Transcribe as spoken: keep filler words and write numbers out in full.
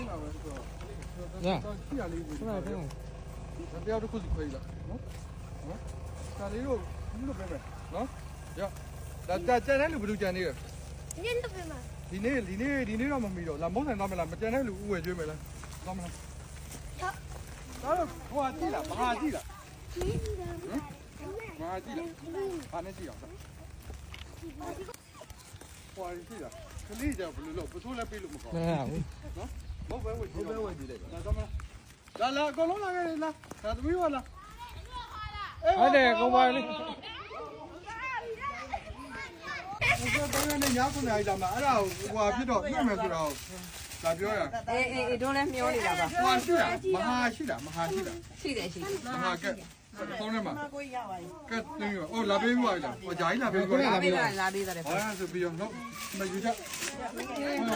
呀，去哪里？去哪里？咱不要这裤子可以了，嗯，嗯，哪里有？你都别别，喏，呀，那在在哪里不都讲的？ 你都别嘛。 你那，你那，你那让么没有？那没人那么了，没在哪里误会就没了，那么了。 好。 那了，我记了，马记了。嗯，马记了，马那记了。我记了，这里家不路不出来背路么高。啊，没问题，没问题的。那怎么了？来来，搞弄那个来，啥都没有了。哎，对，搞完了。我说当然那伢子那一张嘛，哎呀，我皮着那没知道，咋表呀？ 哎哎，中来苗里了吧？ 我是的，马哈是的，马哈是的， 是的是的。 马哈个，当然嘛，个那个哦，那边过来的，我家里那边过来的， 那边那边的。 好像是比较老，没有家。